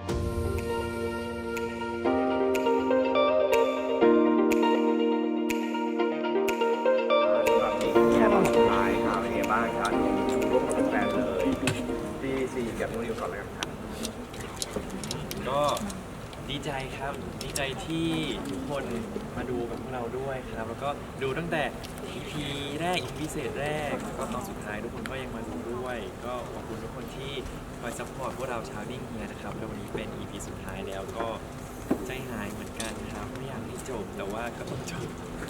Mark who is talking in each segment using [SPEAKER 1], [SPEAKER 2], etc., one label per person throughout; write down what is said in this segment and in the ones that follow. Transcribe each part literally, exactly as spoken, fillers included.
[SPEAKER 1] ท้ายครับเป็นไงบ้างครับชูร่วมกับแฟนเลยที่ซีกับนุ่นนิวก่อนเลยครับ
[SPEAKER 2] ก็ดีใจครับดีใจที่ทุกคนมาดูกับพวกเราด้วยครับแล้วก็ดูตั้งแต่ อี พี แรก อี พี พิเศษแรกแล้วก็ตอนสุดท้ายทุกคนก็ยังมาดูด้วยก็ขอบคุณทุกคนที่คอยซัพพอร์ตพวกเราชาวนิ่งเฮียนะครับแล้ววันนี้เป็น อี พี สุดท้ายแล้วก็ใจหายเหมือนกันครับไม่อยากให้จบแต่ว่าก็ต้องจบ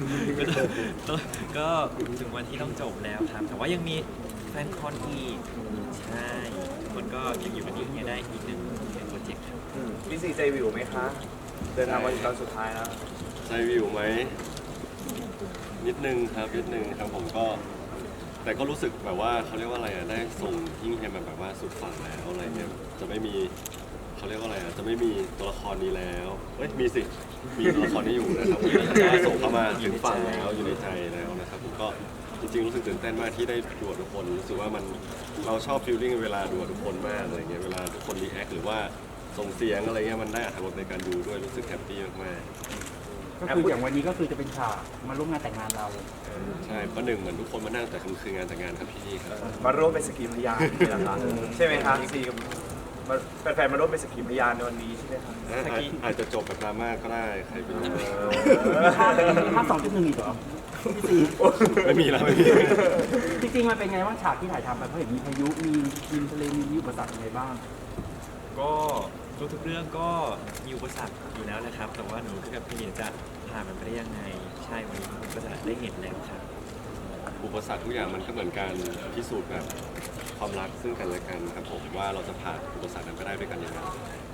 [SPEAKER 2] ก็ถึงวันที่ต้องจบแล้วครับแต่ว่ายังมีแฟนคอนอีกใช่ทุกคนก็ยังอยู่กับนิ่งเฮียได้อีกหนึ่งโปรเจกต์ครับ
[SPEAKER 1] พี่ซีใจวิวไหมคะเดินทางมาถึงตอนสุดท้ายแล้ว
[SPEAKER 3] ใจวิวไหมนิดนึงครับนิดนึงครับผมก็แต่ก็รู้สึกแบบว่าเขาเรียกว่าอะไรอ่ะได้ส่งยิ่งเฮียมาแบบว่าสุดฝั่งแล้วอะไรเงี้ยจะไม่มีเขาเรียกว่าอะไรอ่ะจะไม่มีตัวละครนี้แล้วเอ้ยมีสิมีตัวละครนี้อยู่นะครับผมได้ส่งเข้ามาถึงฝั่งแล้วอยู่ในใจแล้วนะครับผมก็จริงๆรู้สึกตื่นเต้นมากที่ได้ดูทุกคนรู้สึกว่ามันเราชอบฟีลลิ่งเวลาดูทุกคนมากอะไรเงี้ยเวลาทุกคนรีแอคหรือว่าส่งเสียงอะไรเงี้ยมันได้อรรถรสในการดูด้วยรู้สึกแฮปปี้มากๆ
[SPEAKER 4] ก็คืออย่างวันนี้ก็คือจะเป็นฉากมาร่วมงานแต่งงานเรา
[SPEAKER 3] ใช่ประหนึ่งเหมือนทุกคนมานั่งแต่คืองานแต่งงานครับพี่นี่ครับ
[SPEAKER 1] มาร่วมเป็นสกีพยานนี่แหละครับใช่ไหมครับซีกับแฟนๆมาร่วมเป็นสกีพยานในวันนี้ใช่ไหมครับ
[SPEAKER 3] อาจจะจบแบบดราม่าก็ได้ใครเป็น
[SPEAKER 4] ภาคสองจุดหนึ่งอีกเหรอพี่ซี
[SPEAKER 3] ไม่มีแล้วไม่มี
[SPEAKER 4] จริงๆมันเป็นไงบ้างฉากที่ถ่ายทำไปเพราะเห็นมีพายุมีดินทะเลมีอุปสรรคอะไรบ้าง
[SPEAKER 2] ก็ทุกๆเรื่องก็มีอุปสรรคอยู่แล้วนะครับแต่ว่าหนูกับพี่จะผ่านมันไปได้ยังไงใช่วันนี้ผมก็จะได้เห็นแล้วครับ
[SPEAKER 3] อุปสรรคทุกอย่างมันก็เหมือนการพิสูจน์แบบความรักซึ่งกันและกันครับผมว่าเราจะผ่านอุปสรรคนั้นไปได้ด้วยกันยังไง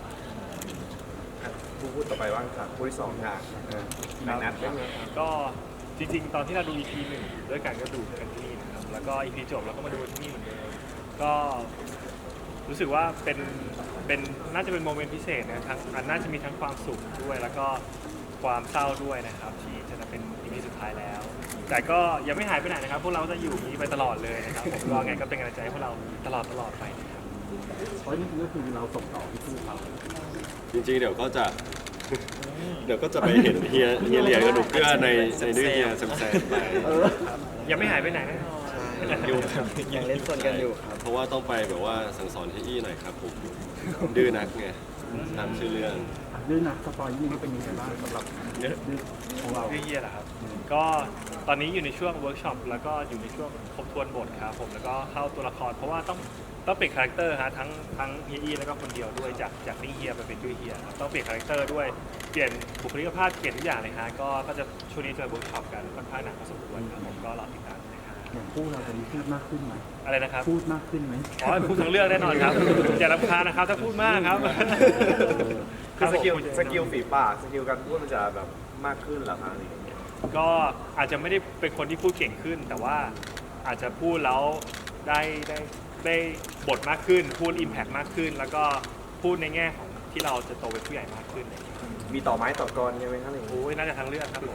[SPEAKER 1] ผู้พูดต่อไปว่างครับผู้ที่สองค่ะแม็กนัท
[SPEAKER 5] ก็จริงๆตอนที่เราดู อี พี หนึ่งด้วยกันก็ดูกันที่นี่นะครับแล้วก็ อี พี จบเราก็มาดูที่นี่เหมือนเดิมก็รู้สึกว่าเป็นเป็นน่าจะเป็นโมเมนต์พิเศษนะทั้งมันน่าจะมีทั้งความสุขด้วยแล้วก็ความเศร้าด้วยนะครับที่จะเป็น อี พี สุดท้ายแล้วแต่ก็ยังไม่หายไปไหนนะครับพวกเราจะอยู่นี้ไปตลอดเลยนะครับผมก็ไงก็เป็นกำลังใจให้พวกเราตลอดตลอดไปนะครับ
[SPEAKER 4] เพราะนี่ก็คือเราส่งต่อที่คู่เขา
[SPEAKER 3] จริงๆเดี๋ยวก็จะเดี๋ยวก็จะไปเห็นเฮียเฮียเหลียงกับหนูเกื้อในในดื้อเฮียแซมๆไป
[SPEAKER 5] ยังไม่หายไปไหนแน่นอน
[SPEAKER 3] อยู่ยังเล่นส่วนกันอยู่ครับเพราะว่าต้องไปแบบว่าสั่งสอนที่อี้หน่อยครับผมดื้อนักไงตามชื่อเรื่อง
[SPEAKER 4] ดื้อนักสปอยนี่เป็นยังไงบ้างสำหรับดื้อของเรา
[SPEAKER 5] ดื้อเฮียเหรอครับก็ตอนนี้อยู่ในช่วงเวิร์กช็อปแล้วก็อยู่ในช่วงทบทวนบทครับผมแล้วก็เข้าตัวละครเพราะว่าต้องต้องเปลี่ยนคาแรคเตอร์ฮะทั้งทั้งเฮียอี้แล้วก็คนเดียวด้วยจากจากนิ่งเฮียไปเป็นดื้อเฮียครับต้องเปลี่ยนคาแรคเตอร์ด้วยเปลี่ยนบุคลิกภาพเปลี่ยนทุกอย่างเลยฮะก็ก็จะช่วงนี้จะเวิร์กช็อปกันค่อนข้างหนักพอสมควรครับผมก็รอติดตาม
[SPEAKER 4] อย่างคู่เราจะมีพูดมากขึ้นไหม
[SPEAKER 5] อะไรนะครับ
[SPEAKER 4] พูดมากขึ้นไหม
[SPEAKER 5] อ๋อพูดทั้งเรื่องแน่นอนครับอย่ารำคาญนะครับถ้าพูดมากครับ
[SPEAKER 1] คือสกิลสกิลฝีปากสกิลการพูดมันจะแบบมากขึ้นหรอครับ
[SPEAKER 5] ก็อาจจะไม่ได้เป็นคนที่พูดเก่งขึ้นแต่ว่าอาจจะพูดแล้วได้ได้ได้บทมากขึ้นพูดอิมแพคมากขึ้นแล้วก็พูดในแง่ของที่เราจะโตเป็นผู้ใหญ่มากขึ้น
[SPEAKER 1] มีต่อไม้ต่อกรใช่ไหมครับ
[SPEAKER 5] โอ้ยน่าจะทั้งเรื่องครับ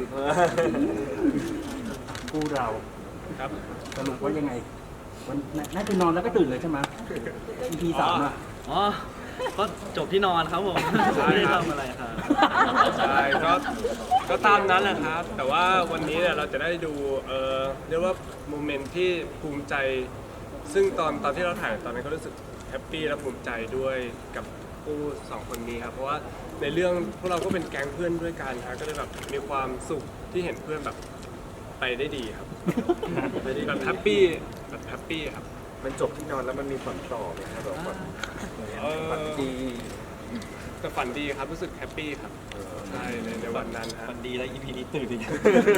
[SPEAKER 4] คู่เรา
[SPEAKER 5] ครับ
[SPEAKER 4] สรุปว่ายังไงวันน่าจะนอนแล้วก็ตื่นเลยใช่ไหม อี พี สามอ่ะ
[SPEAKER 6] อ๋อก็จบที่นอนครับผมไม่ได้ทำอะไรครับ
[SPEAKER 7] ใช่ก็ก็ตามนั้นแหละครับแต่ว่าวันนี้เนี่ยเราจะได้ดูเอ่อเรียกว่าโมเมนต์ที่ภูมิใจซึ่งตอนตอนที่เราถ่ายตอนนั้นก็รู้สึกแฮปปี้และภูมิใจด้วยกับคู่สองคนนี้ครับเพราะว่าในเรื่องพวกเราก็เป็นแก๊งเพื่อนด้วยกันครับก็เลยแบบมีความสุขที่เห็นเพื่อนแบบไปได้ดีครับแบบแฮปปี้แบบแฮปปี้ครับ
[SPEAKER 1] มันจบที่นอนแล้วมันมีฝันต่อไหมครับแบบฝันดี
[SPEAKER 7] แต่ฝันดีครับรู้สึกแฮปปี้ครับใช่ในในวันนั้น
[SPEAKER 2] ฝันดีแล้ว อี พี นี้ตื่นอีก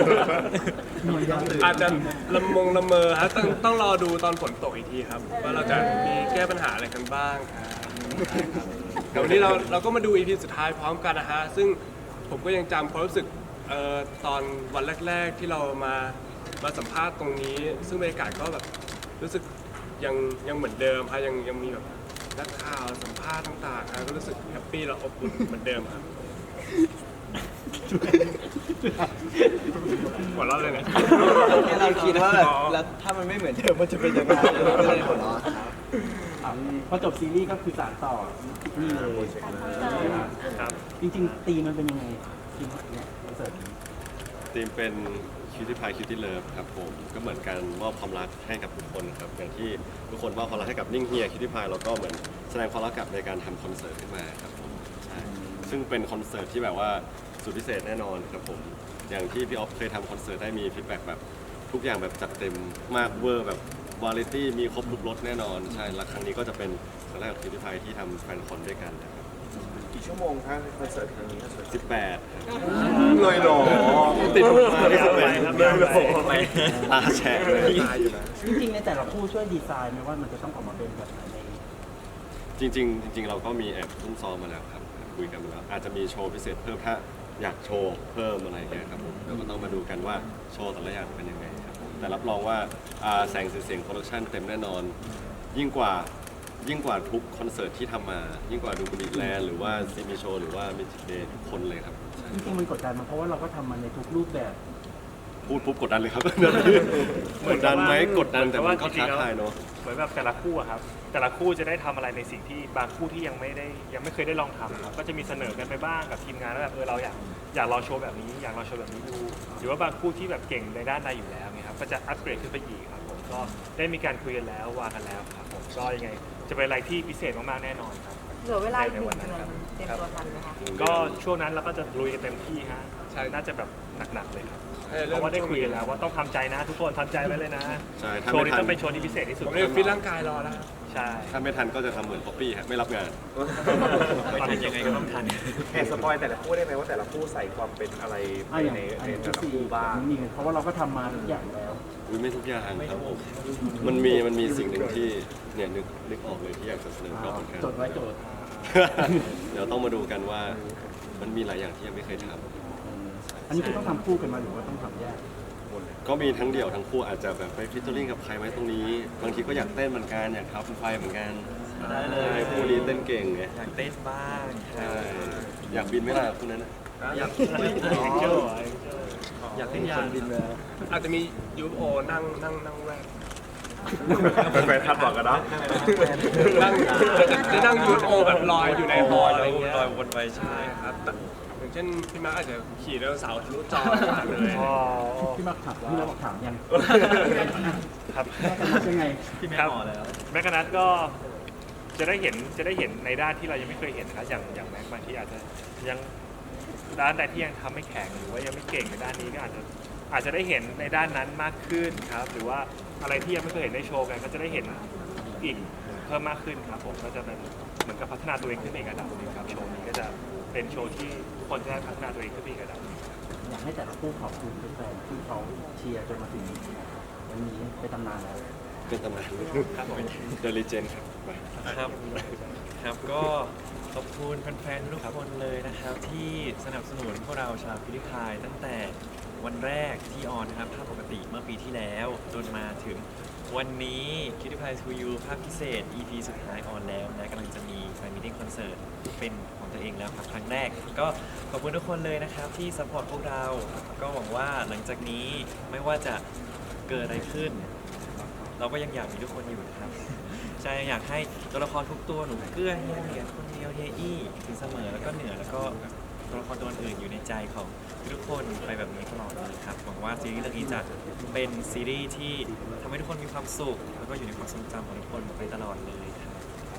[SPEAKER 7] อาจจะละมงละเมอฮะต้องต้องรอดูตอนฝนตกอีกทีครับว่าเราจะมีแก้ปัญหาอะไรกันบ้างแต่วันนี้เราเราก็มาดู อี พี สุดท้ายพร้อมกันนะฮะซึ่งผมก็ยังจำความรู้สึกเอ่อตอนวันแรกๆที่เรามามาสัมภาษณ์ตรงนี้ซึ่งบรรยากาศก็แบบรู้สึกยังยังเหมือนเดิมฮะยังยังมีแบบนักข่าวสัมภาษณ์ต่างๆฮะก็รู้สึกแฮปปี้และอบอุ่นเหมือนเดิมครับหัวเราะเลยเนี่ย
[SPEAKER 6] เราคิดว่าแบบแล้วถ้ามันไม่เหมือนเดิมมันจะเป็นยังไงก็เลยหัวเราะครับ
[SPEAKER 4] อ่ะพอจบซีรีส์ก็คือสานต่อนี่เลย
[SPEAKER 5] ครับ
[SPEAKER 4] จริงๆตีมันเป็นยังไงทีมเนี่ยคอนเสิร์ตนี้
[SPEAKER 3] ทีมเป็นคิวตี้พายคิวตี้เลิฟครับผมก็เหมือนกันมอบความรักให้กับทุกคนครับอย่างที่ทุกคนมอบความรักให้กับนิ่งเฮียคิวตี้พายเราก็เหมือนแสดงความรักกลับในการทำคอนเสิร์ตขึ้นมาครับผมใช่ซึ่งเป็นคอนเสิร์ตที่แบบว่าสุดพิเศษแน่นอนครับผมอย่างที่พี่ออฟเคยทำคอนเสิร์ตได้มีฟีดแบ็กแบบทุกอย่างแบบจัดเต็มมากเวอร์แบบวาไรตี้มีครบทุกรสแน่นอนใช่และครั้งนี้ก็จะเป็นครั้งแรกของคิวตี้พายที่ทำแฟนคอนด้วยกันนะครับ
[SPEAKER 1] กี่ชั่วโมงครับคอนเสิร์ตครั้งนี้
[SPEAKER 3] สิบแปด
[SPEAKER 1] เลยหรอ
[SPEAKER 3] ติดมาที่สิบแปด
[SPEAKER 5] ครับ
[SPEAKER 3] เลยโอ้โหตาแฉะเลย
[SPEAKER 1] ตายอยู่นะ
[SPEAKER 4] จริงๆในแต่ละคู่ช่วยดีไซน์ไหมว่ามันจะต้องออกมาเป็นแบบไหนใน
[SPEAKER 3] จริงๆจริงๆเราก็มีแอบซุ่มซ้อมมาแล้วครับคุยกันมาแล้วอาจจะมีโชว์พิเศษเพิ่มถ้าอยากโชว์เพิ่มอะไรอย่างเงี้ยครับผมเดี๋ยวก็ต้องมาดูกันว่าโชว์แต่ละอย่างเป็นยังไงครับผมแต่รับรองว่าอ่าแสงสีเสียงโปรดักชันเต็มแน่นอน ยิ่งกว่ายิ่งกว่าทุกคอนเสิร์ตที่ทำมา ยิ่งกว่าดูบุรีแลนด์หรือว่าซีมีโชว์หรือว่ามิจิเดย์ทุกคนเลยครับใช่
[SPEAKER 4] จริงๆมันกดดันมาเพราะว่าเราก็ทำมันในทุกรูปแบบ
[SPEAKER 3] พูดปุ๊บกดดันเลยครับ กดดันไหมกดดันแต่มันก็ท้าทายเนาะ
[SPEAKER 5] เหมือนแบบแต่ละคู่อะครับแต่ละคู่จะได้ทำอะไรในสิ่งที่บางคู่ที่ยังไม่ได้ยังไม่เคยได้ลองทำครับก็จะมีเสนอกันไปบ้างกับทีมงานว่าแบบเออเราอยากอยากลองโชว์แบบนี้อยากลองโชว์แบบนี้ดูหรือว่าบางคู่ที่แบบเก่งในด้านใดอยู่แล้วเนี่ยครับก็จะอัปเกรดขึ้นไปอีกครับผมก็ได้มีการคุยกันแล้ววางกันแล้วครับผมก็ยังไงจะเป็นอะไรที่พิเศษมากๆแน่นอนครับ
[SPEAKER 8] เหลือเวลาอีกหนึ่งเดือนเตรียมตัวทันไหมคะ
[SPEAKER 5] ก็ช่วงนั้นเราก็จะลุยกันเต็มที่ฮะใช่น่าจะแบบหนักๆเลยครับเพราะว่าได้คุยกันแล้วว่าต้องทำใจนะทุกคนทำใจไว้เลยนะ
[SPEAKER 3] ใช่ถ้า
[SPEAKER 5] โชว์
[SPEAKER 3] ไม่
[SPEAKER 5] นี้
[SPEAKER 3] ทั
[SPEAKER 5] ต้อน งเป็นโชว์ที่พิเศษที่สุด
[SPEAKER 7] ผมเลยฟิตร่างกายรอแล้ว
[SPEAKER 5] ใช่
[SPEAKER 3] ถ้าไม่ทันก็จะทำเหมือนป๊อปปี้ครับไม่รับงาน
[SPEAKER 2] ไม่ทันยังไงก็ต้องทัน
[SPEAKER 1] แอบสปอยแต่ละคู่ได้ไหมว่าแต่ละคู่ใส่ความเป็นอะไร
[SPEAKER 4] อ่ะอย่าง
[SPEAKER 1] ใน
[SPEAKER 4] อัน
[SPEAKER 1] ใน
[SPEAKER 4] นี้
[SPEAKER 1] แต่
[SPEAKER 4] ทุก
[SPEAKER 1] ละ
[SPEAKER 4] ซี
[SPEAKER 1] คู่บ้าง
[SPEAKER 4] มีเพราะว่าเราก็ทำมาทุกอย่างแล้ว
[SPEAKER 3] อุ้ยไม่ทุกอย่างครับผมมันมีมันมีสิ่งหนึ่งที่เนี่ยนึกนึกออกเลยที่อยากจะเสนอก็เหมือนกัน
[SPEAKER 4] จดไว้โจทย์
[SPEAKER 3] เดี๋ยวต้องมาดูกันว่ามันมีหลายอย่างที่ยังไม่เคยท
[SPEAKER 4] อันนี้คือต้องทำคู่กันมาหรือว่าต้องทำแยก
[SPEAKER 3] ำก็มีทั้งเดี่ยวทั้งคู่อาจจะแบบไปฟิชเชอร์ลิงกับใครไหมตรงนี้ บางทีก็อยากเต้นเหมือนกันอยากทับไฟเหมือนกัน
[SPEAKER 2] ได้เลย
[SPEAKER 3] คู่นี้เต้นเก่งไง
[SPEAKER 2] อยากเต้นบ้างค
[SPEAKER 3] ใช่
[SPEAKER 2] รับ
[SPEAKER 3] อยากบินไหมล่ะคู่นั้นน่ะ
[SPEAKER 6] อยาก
[SPEAKER 5] เจ้า
[SPEAKER 6] อยากเล่นยาน
[SPEAKER 7] อาจจะมียูโอนั่งนั่งนั่งแรก
[SPEAKER 1] เป็นแฟนคลับบอกกันนะ
[SPEAKER 7] นั่งจะนั่งยูโอแบบลอยอยู่ในฮอลอะไรเงี้ย
[SPEAKER 2] ลอยวนไปใช่
[SPEAKER 7] ครับแต่อย่างเช่นพี่มาร์คอาจจะขี่ไดโนเสาร์ทะลุจอมาเลย
[SPEAKER 5] อ๋อ
[SPEAKER 4] พี่มาถามพี่มาบอกถามยัง
[SPEAKER 5] ครับ
[SPEAKER 4] ยังไง
[SPEAKER 6] พี่แม่
[SPEAKER 5] ครับ
[SPEAKER 6] หมอแล้ว
[SPEAKER 5] แม็กกานัทก็จะได้เห็นจะได้เห็นในด้านที่เรายังไม่เคยเห็นนะครับอย่างอย่างแม็กบางทีอาจจะยังด้านใดที่ยังทำไม่แข็งหรือว่ายังไม่เก่งในด้านนี้ก็อาจจะอาจจะได้เห็นในด้านนั้นมากขึ้นครับ หรือว่าอะไรที่ยังไม่เคยเห็นในโชว์กันก็จะได้เห็นอีกเพิ่มมากขึ้นครับผมก็จะเป็นเหมือนกับพัฒนาตัวเองขึ้นไปอีกระดับหนึงครับโชว์นี้ก็จะเป็นโชว์ที่ทุกคนจะได้พัฒนาตัวเองขึ้นไปอีกระดับหนึ่ง
[SPEAKER 4] อยากให้แต่ละคู่ขอบคุณแฟนๆที่เขาเชียร์จนมาถึงวันนี้เป็นตำนานแล้ว
[SPEAKER 3] เป็นตำนาน
[SPEAKER 5] ครับผม
[SPEAKER 3] เดลิเจนครับไป
[SPEAKER 2] ครับครับก็ขอบคุณแฟนๆทุกคนเลยนะครับ ที่สนับสนุนพวกเราชาวพิลิพายตั้งแต่วันแรกที่ออนนะครับภาพปกติเมื่อปีที่แล้วจนมาถึงวันนี้คิดพายทูยูภาพพิเศษ อี พี สุดท้ายออนแล้วนะกำลังจะมีแฟนมิทติ้งคอนเสิร์ตเป็นของตัวเองแล้วครับครั้งแรก ก็ขอบคุณทุกคนเลยนะครับที่ซัพพอร์ตพวกเรา ก็หวังว่าหลังจากนี้ไม่ว่าจะเกิดอะไรขึ้น เราก็ยังอยากมีทุกคนอยู่นะครับใช่อยากให้ตัวละครทุกตัวหนูเกื้อเฮียเหรียญคนเดียวเฮียอี้ถึงเสมอแล้วก็เหนือแล้วก็ตัวละครตัวอื่นอยู่ในใจของทุกคนไปแบบนี้ตลอดเลยครับหวังว่าซีรีส์เรื่องนี้จะเป็นซีรีส์ที่ทำให้ทุกคนมีความสุขแล้วก็อยู่ในความทรงจำของทุกคนไปตลอดเลยครับ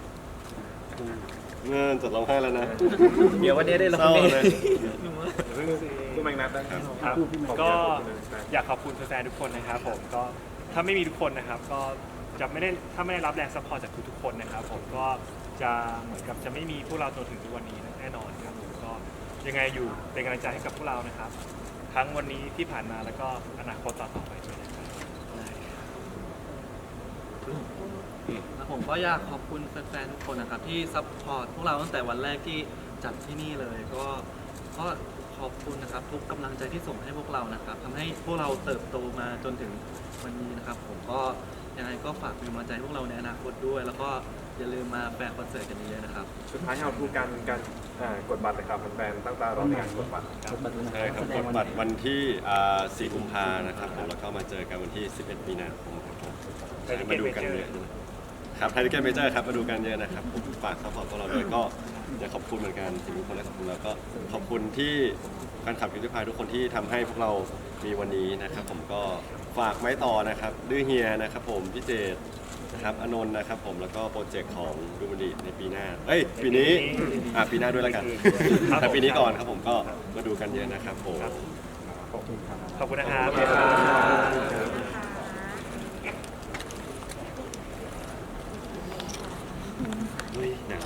[SPEAKER 3] เงินจดร้องไห้แล้วนะ
[SPEAKER 2] เดี๋ยววันนี้ได้ร้
[SPEAKER 3] เศ
[SPEAKER 2] อง
[SPEAKER 3] ร้า
[SPEAKER 2] เพลง
[SPEAKER 3] เลย
[SPEAKER 1] คู่แมงนัดนะครับ
[SPEAKER 5] ครับก็อยากขอบคุณแฟนๆทุกคนนะครับผมก็ถ้าไม่มีทุกคนนะครับ ก็จะไม่ได้ถ้าไม่ได้รับแรงซัพพอร์ตจากทุกๆคนนะครับผมก็จะเหมือนกับจะไม่มีพวกเราจนถึงทุกวันนี้แน่นอนครับผมก็ยังไงอยู่เป็นกำลังใจให้กับพวกเรานะครับ ทั้งวันนี้ที่ผ่านมาแล้วก็อนาคตต่อๆไปด้วยนะครับ
[SPEAKER 6] แล้วผมก็อยากขอบคุณแฟนๆทุกคนนะครับที่ซัพพอร์ตพวกเราตั้งแต่วันแรกที่จัดที่นี่เลย ก็ก็ขอบคุณนะครับทุกกำลังใจที่ส่งให้พวกเรานะครับทำให้พวกเราเติบโตมาจนถึงวันนี้นะครับ ผมก็ยังไงก็ฝากเป็นกำลังใจให้พวกเราในอนาคตด้วย แล้วก็อย่าลืมมาแฟนคอนเสิร์ตกันเยอะๆนะครับ
[SPEAKER 1] สุดท้ายเราดูการการอ่ากดบัตรเลยครับแฟนๆตั้งตารอในการกดบัตร
[SPEAKER 4] กดบัตรด้วยนะ
[SPEAKER 3] ใช่ครับ
[SPEAKER 4] แสด
[SPEAKER 3] ก
[SPEAKER 4] ง
[SPEAKER 3] ด
[SPEAKER 4] วัน
[SPEAKER 3] บัตรวันที่อ่าสี่กุมภานะครับผมแล้วก็มาเจอกันวันที่สิบเอ็ดมีนาคมครับผมใช่มาดูกันเยอะครับไทยทิเก็ตเมเจอร์ครับมาดูกันเยอะนะครับผมฝากซัพพอร์ตพวกเราด้วยก็อยากขอบคุณเหมือนกันสิ่งที่ทุกคนได้ขอบคุณแล้วก็ขอบคุณที่แฟนคลับคิวที่พายทุกคนที่ทำให้พวกเรามีวันนี้นะครับผมก็ฝากไม้ต่อนะครับดื้อเฮียนะครับผมพี่เจตนะครับอนนท์นะครับผมแล้วก็โปรเจกต์ของดูมันดีในปีหน้าเอ้ยปีนี้อ่ะปีหน้าด้วยแล้วกัน แต่ปีนี้ก่อนครับผมก็มาดูกันเยอะนะครับผม
[SPEAKER 5] ขอบคุณนะครับ
[SPEAKER 3] อุ้ยหนาว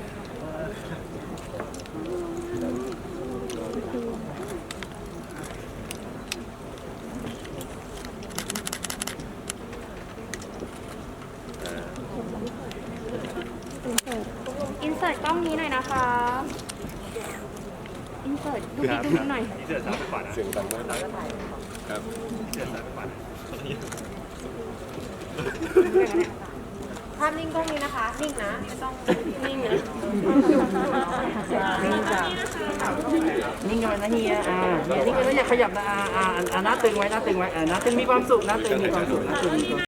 [SPEAKER 3] อ่า
[SPEAKER 9] อินเสิร์ตกล้องนี้หน่อยนะคะ อินเสิร์ตดูดีตรงนี้หน่อย
[SPEAKER 5] นี่เสือซ้ายไปขวานะ
[SPEAKER 3] เสียงดังมากครับ
[SPEAKER 5] เสือซ้ายไปขวานะ
[SPEAKER 8] ภาพนิ่งกล้องนี้นะคะ นิ่งนะ ไม่ต้องนิ่งนะ
[SPEAKER 4] นิ่งจ้ะนิ่งกันไว้นะเฮียอ่าเฮียนิ่งกันไว้อย่าขยับนะอ่าอ่าอ่าหน้าตึงไว้หน้าตึงไว้อ่าหน้าตึงมีความสุขหน้าตึงมีความสุขหน้าตึงมีความสุข